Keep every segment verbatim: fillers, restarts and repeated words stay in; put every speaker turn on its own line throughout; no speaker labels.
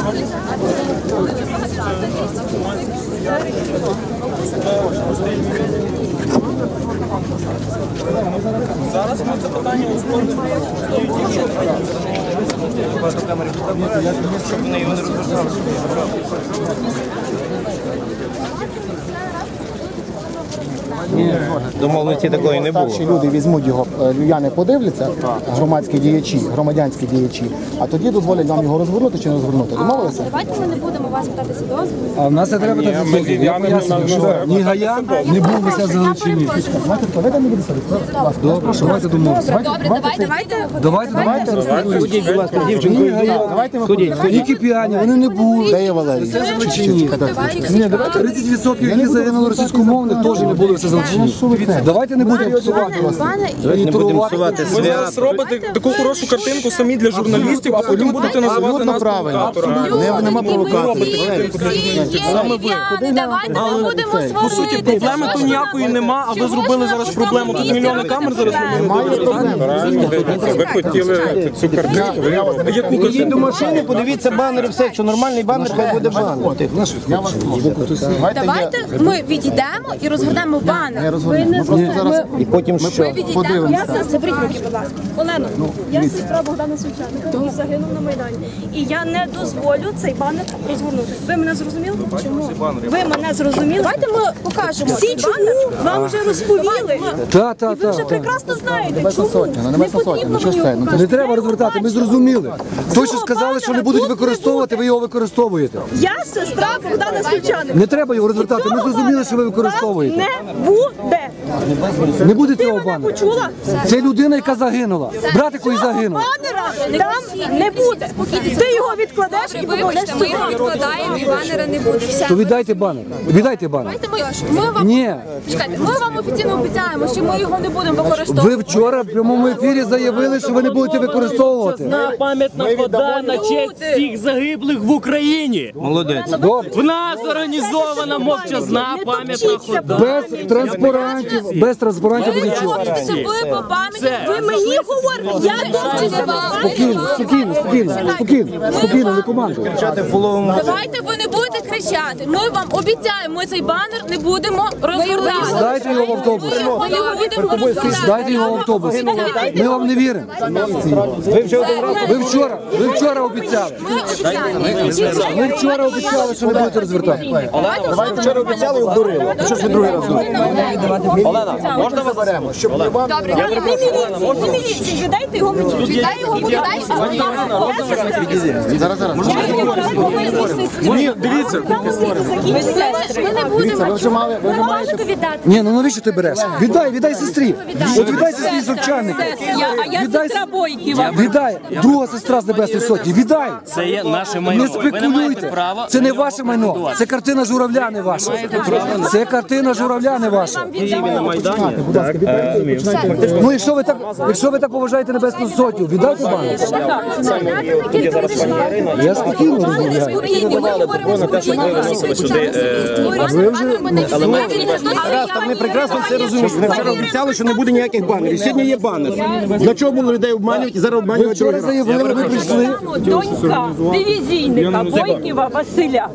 Зараз ми це питання узгодимо. Щоб вони його не розпочали. Домовленості такої не було.
Старші люди візьмуть його, львів'яни подивляться, громадські діячі, громадянські діячі, а тоді дозволять нам його розгорнути чи не розгорнути. Домовилися?
Давайте ми не будемо вас питатися дозволу.
А в нас не треба так дозволу. Я пояснюю, що ні Гаян, ні був вися за Галичині.
Давайте, давайте не буде садити.
Добре, давайте домовимося.
Добре, давайте, давайте.
Давайте, давайте.
Ходіть, будь ласка, дівчинку.
Давайте ми
Ходіть,
Ні кип'яні, вони не були.
Де є Валерій?
Все за Галичині. Ні, давайте тридцять відсотків, які загинули російськомовних, теж не були все за Галичині. Давайте не будемо псувати вас.
Не будемо псувати
Ви зараз
свят.
робите таку хорошу картинку самі для журналістів, а потім будете називати
Абсолютно
нас
правильно.
провокаторами.
Нема провокації.
Саме ви. Давайте ми будемо свободи.
По суті, проблеми то ніякої нема, а ви зробили зараз проблему. Тут мільйони камер зараз
Немає проблем.
Ви хотіли цю картинку, ви
Яку
Ідіть до
картинку?
машини, подивіться банери, все. Якщо нормальний банер, хай буде банер.
Я вас прошу. Давайте я-
Давайте ми відійдемо і розгорнемо
не
банер.
розумію. Ми просто зараз
І потім що?
Ми відійдемо.
подивимося.
Я заберіть руки, будь ласка. Олено,
Я сестра Богдана Свяченка, який загинув на Майдані. І я не дозволю цей банер розгорнути. Ви мене зрозуміли? Чому? Ви мене зрозуміли?
давайте ми покажемо.
Всі чому вам вже розповіли?
Та, та,
І ви вже
та.
прекрасно знаєте,
Небесна
чому
Сотня, ну, Небесна
не
Сотня,
потрібно
ну, що
мені
ж це?
його
Ну,
показувати.
Не треба розвертати, ми зрозуміли. То, що
Цього
сказали, що не
банера
будуть
тут не
використовувати, ви його використовуєте.
Я сестра Богдана Свяченка.
Не треба його розвертати, ми зрозуміли, що ви використовуєте.
Не буде.
Не буде
Ти
цього
мене
банера.
почула?
Це людина, яка загинула. Братику і загинув.
Банера там не буде. Ти його відкладеш і поможеш
Вибачте, ми його відкладаємо і банера не буде. Все.
То віддайте банер. Віддайте банер.
Давайте ми, ми вам
Ні.
чекайте, ми вам офіційно обіцяємо, що ми його не будемо використовувати.
Ви вчора в прямому ефірі заявили, що ви не будете використовувати.
Пам'ятна хода на честь всіх загиблих в Україні.
Молодець.
Добре.
В нас організована мовчазна пам'ятна хода.
Без транспарантів, без транспарантів без нічого.
Це ви по пам'яті.
Ви мені говорите, я дуже
Спокійно, спокійно, спокійно, спокійно, спокійно, не командуй.
Давайте ви не будете кричати. Ми вам обіцяємо, ми цей банер не будемо розгортати.
Здайте його в автобус.
Ми його не будемо розгортати.
Здайте його в автобус. Ми вам не віримо. Ви вчора, ви вчора обіцяли.
Ми обіцяємо.
Ви вчора обіцяли, що не будете розвертати.
Давайте вчора обіцяли і обдурили. Що ж ви другий раз говорите? Олена, можна вас беремо?
Добре,
Не міліції, не міліції, віддайте його мені.
віддай його, віддай
Зараз, зараз.
Ні, дивіться.
Ми не будемо.
Ви вже мали, ви вже маєте.
віддати.
Ні, ну навіщо ти береш? Віддай, віддай сестрі. От віддай сестрі з Овчарника.
А я
Віддай,
сестра Бойківа.
віддай, друга сестра з Небесної Сотні. Віддай.
Це є наше майно.
Не
Ви не маєте
спекулюйте.
права.
Це не ваше майно. Це картина журавля, не ваша. Це картина журавля, не ваша. Ну, якщо ви так, якщо ви так поважаєте Небесну Сотню, віддайте банк. Я спокійно розмовляю. Ви вже...
Раз, там ми прекрасно все розуміємо. Ви вчора обіцяли, що не буде ніяких банерів. Сьогодні є банер. Для чого було людей обманювати і зараз
Ви
обманювати
вчора
другий раз?
заявили, ви прийшли.
Донька дивізійника Бойківа Василя.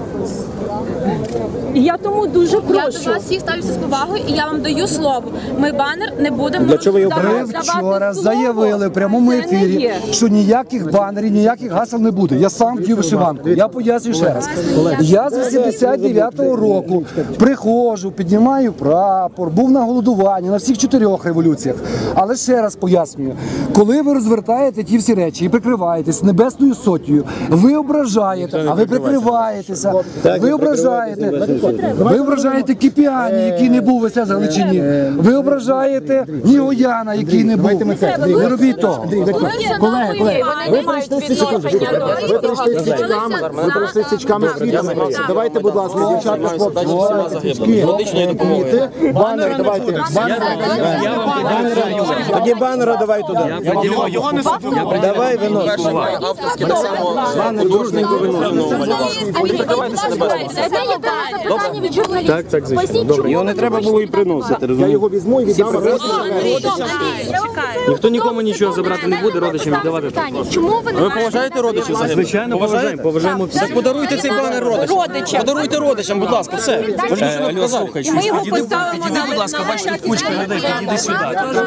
І я тому дуже
Я до
прошу.
вас всіх ставлюся з повагою, і я вам даю слово. Ми банер не будемо роздавати.
Ви вчора заявили в прямому ефірі, що ніяких банерів, ніяких гасел не буде. Я сам вдів вишиванку. Я пояснюю ще раз. Я з вісімдесят дев'ятого року приходжу, піднімаю прапор, був на голодуванні, на всіх чотирьох революціях. Але ще раз пояснюю, коли ви розвертаєте ті всі речі і прикриваєтесь Небесною Сотнею, ви ображаєте, а ви прикриваєтеся, ви ображаєте, ви ображаєте Кип'яні, який не був весе за Галичині, ви ображаєте Нігояна, який не був. Не робіть того.
Колеги, колеги, ви прийшли з січками, ви прийшли з січками, ви прийшли з січками, з квітами. Давайте, будь ласка, дівчатка, хлопці, січки, квіти, банери, давайте, банери.
Тоді банера давай туди.
Його не супер.
Давай винос.
Банер дружненько виносимо.
Одне єдине запитання від журналістів.
Так, так, звичайно.
Поясніть,
Добре.
чому
Його не
ви
треба
вийшли
було і
на дебати?
приносити,
Я
розумієте?
його візьму і віддам.
Андрій, чекай.
Ніхто нікому нічого забрати не буде, родичам віддавати.
Питання. Чому ви не
Ви
маєте
поважаєте родичів загиблих? Звичайно, поважаємо, поважаємо всіх.
Так подаруйте цей банер родичам.
Подаруйте родичам, будь ласка, все. Ви ж нічого не показали.
Ми його поставимо на
будь ласка, бачите, кучка людей, підійди сюди.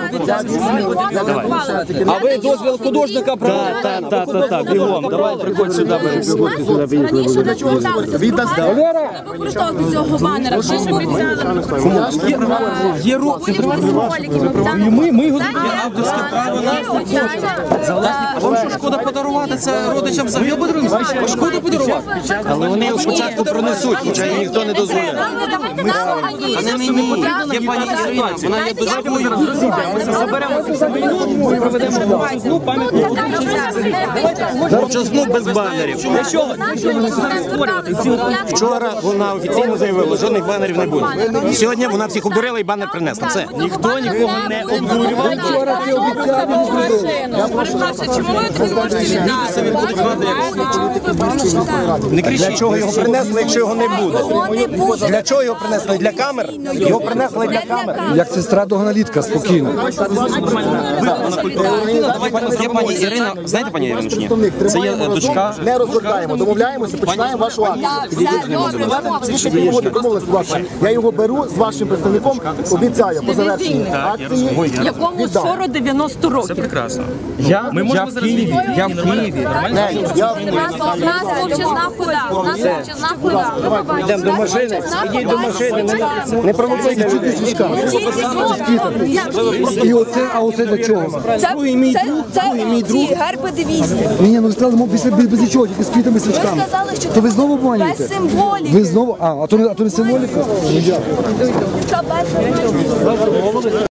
А
ви дозвіл художника брали? Так, так, так, так, бігом, давай, приходь сюди.
раніше не зверталися. Не використовувати цього банера. Ми ж обіцяли.
Є рух.
Ми, ми його
Авторське право на... А вам що, шкода подарувати це родичам загиблих? Шкода подарувати?
Але вони його спочатку пронесуть, хоча їм ніхто не дозволяє.
А не мені. Є пані Ірина, вона є дуже такою. Ми заберемо і проведемо ну, пам'ятну.
Мовчазну без банерів. Вчора вона офіційно заявила, жодних банерів не буде. Сьогодні вона всіх обдурила і банер принесла. Все.
Ніхто нікого не обдурював.
Вчора ти обіцяв, не зробив.
Чому ви такі можете
Не кричіть. Для чого його принесли, якщо його не буде? Для чого його принесли? Для камер? Його принесли для камер.
Як сестра до аналітка, спокійно.
Є пані Ірина, знаєте пані Ірину чи ні?
Представник,
Це є
тримаємо
дочка.
разом, не розвертаємо, домовляємося, починаємо вашу акцію. Домовились, будь ласка. Я його беру з вашим представником, обіцяю, по завершенні акції
якому сорок дев'яносто років.
Прекрасно. Я, Ми можемо зараз Києві. Я в Києві.
Я
У нас мовчазна хода. У нас мовчазна хода.
Йдемо до машини, ідіть до машини, не, не провокуйте людей.
І оце, а оце для чого?
Це, це, це ці герби дивізії.
Ні, ні, ну ви сказали, мов, без, без, без нічого, тільки з квітами і свічками.
Ви сказали, що
То ви знову
без
обманюєте?
символіки.
Ви знову, а, а то не, а то не символіка? Ну, дякую.
Це без символіки.